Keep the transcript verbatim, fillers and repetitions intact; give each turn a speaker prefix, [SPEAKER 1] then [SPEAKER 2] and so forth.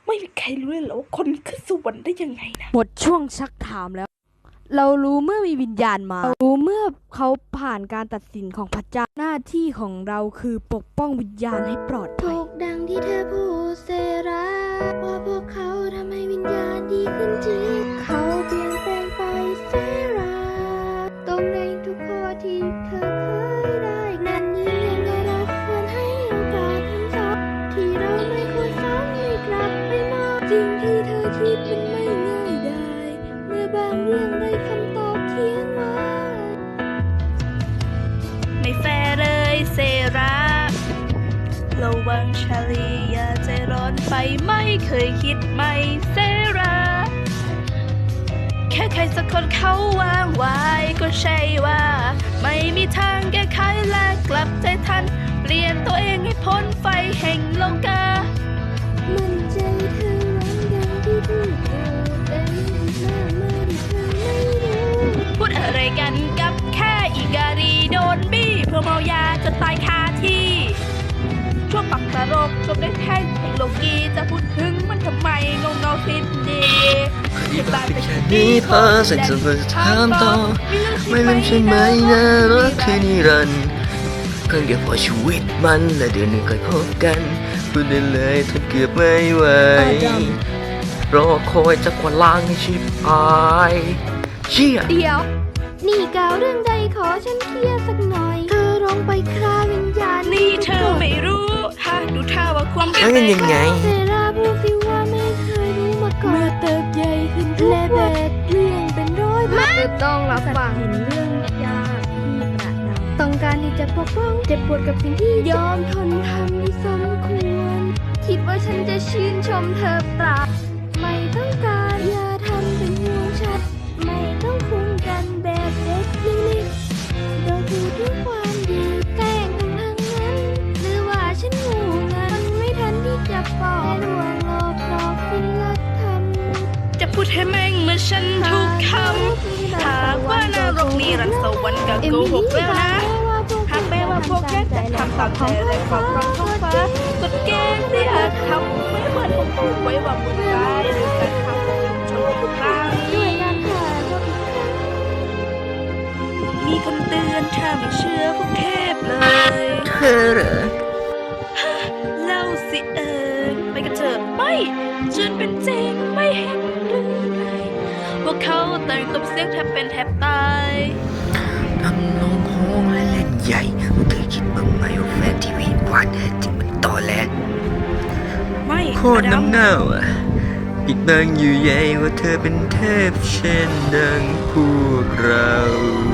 [SPEAKER 1] ไม่มีใครรู้เลยเหรอว่าคนขึ้นสวรรค์ได้ยังไงนะ
[SPEAKER 2] หมดช่วงชักถามแล้ว เรารู้เมื่อมีวิญญาณมาเรารู้เมื่อเขาผ่านการตัดสินของพระเจ้าหน้าที่ของเราคือปกป้องวิญญาณให้ปลอดภัย
[SPEAKER 3] ถูกดังที่เธอพูดเซราว่าพวกเขาทำให้วิญญาณดีขึ้นจริงเขาเปลี่ยนแปลงไปเซราตรงในทุกข้อที่เธอเคยได้นั่นยิ่งยังไงเราควรให้โอกาสทั้งสองที่เราไม่ควรซ้ำให้กลับไปมองสิ่งที่เธอคิดมันไม่ง่ายได้เมื่อบางเรื่องได้คำตอบเขียนไว้
[SPEAKER 1] ไม่แฟร์เลยเซราระวังชาลีอย่าใจร้อนไปไม่เคยคิดไม่เซราแค่ใครสักคนเขาวางไว้ก็ใช่ว่าไม่มีทางแก้ไขและกลับใจทันเปลี่ยนตัวเองให้พ้นไฟแห่งโลกา
[SPEAKER 3] มั่นใจเธอหวังดังที่พูดอยู่แต่ยังอีกมากมายที่เธอไม่รู้
[SPEAKER 1] พูดอะไรกันกับแค่อีกาลีโดนบี้เพื่อเมายาจนตายคาที่ช่วงปักตลกจบได้แค่เพลงโลกีจะพูดถึงมันทำไมงงเงาคิดดีอย่าบ้าไปแค่นี้พอเสร็จจะมาถามต่อไม่ลืมใช่ไหมนะรักคือนิรันดร์เพียงแค่พอชีวิตมันและเดือนหนึ่งค่อยพบกันพูดได้เลยถ้าเกือบไม่ไหวรอคอยจะกว่าล้างให้ชิบหายเชี่ย
[SPEAKER 3] เดี๋ยว นี่กล่าวเรื่องใดขอฉันเคลียร์สักหน่อย เธอลงไปคราวิญญาณ
[SPEAKER 1] นี่เธอไม่รู้ฮะดูท่าว่าความ
[SPEAKER 4] แล้วมันยังไง
[SPEAKER 3] เซราพูดสิว่าไม่เคยรู้มาก่อนเมื่อเติบใหญ่ขึ้นทุกวันเรื่องเป็นร้อยมาต้องรับฟังเห็นเรื่องยากที่ประนามต้องการที่จะปกป้องเจ็บปวดกับสิ่งที่ยอมทนทำไม่สมควร คิดว่าฉันจะชื่นชมเธอเปล่าไม่ต้องการอย่าทำเป็นห่วงฉันไม่ต้องคุ้มกันแบบเด็กนิ่งๆเราพูดถึงความดีแกล้งกันทั้งนั้นหรือว่าฉันงูงันไม่ทันที่จะปอกลวงหลอกหลอกคุณลักทำ
[SPEAKER 1] จะพูดให้แม่งเหมื่อนฉันทุกคำหากว่านรกนิรันดร์สวรรค์ก็โกหกแล้วนะหากแม้ว่าพวกแกจะทำตามใจและขอบความท้องฟ้ากฎเกณฑ์ที่อาจทำไม่เหมือนผมพูดไว้ว่าบุญร้ายหรือการทำของชนทุกครั้งมีคำเตือนถ้าไม่เชื่อพวกเทพเลย
[SPEAKER 4] เธอเหรอ
[SPEAKER 1] เล่าสิเอิญไปกันเถอะไม่จนเป็นจริงไม่เห็นหรือไงพวกเขาต่างตบเสียงแทบเป็นแทบตาย
[SPEAKER 4] ทำนองโฮงและเล่นใหญ่เธอคิดบ้างไหมว่าแฟนทีวีวาดแท้จริงมันต่อแหลก
[SPEAKER 1] ไม่
[SPEAKER 4] โคตรน้ำเน่าอ่ะปิดบังอยู่ใหญ่ว่าเธอเป็นเทพเช่นดังพวกเรา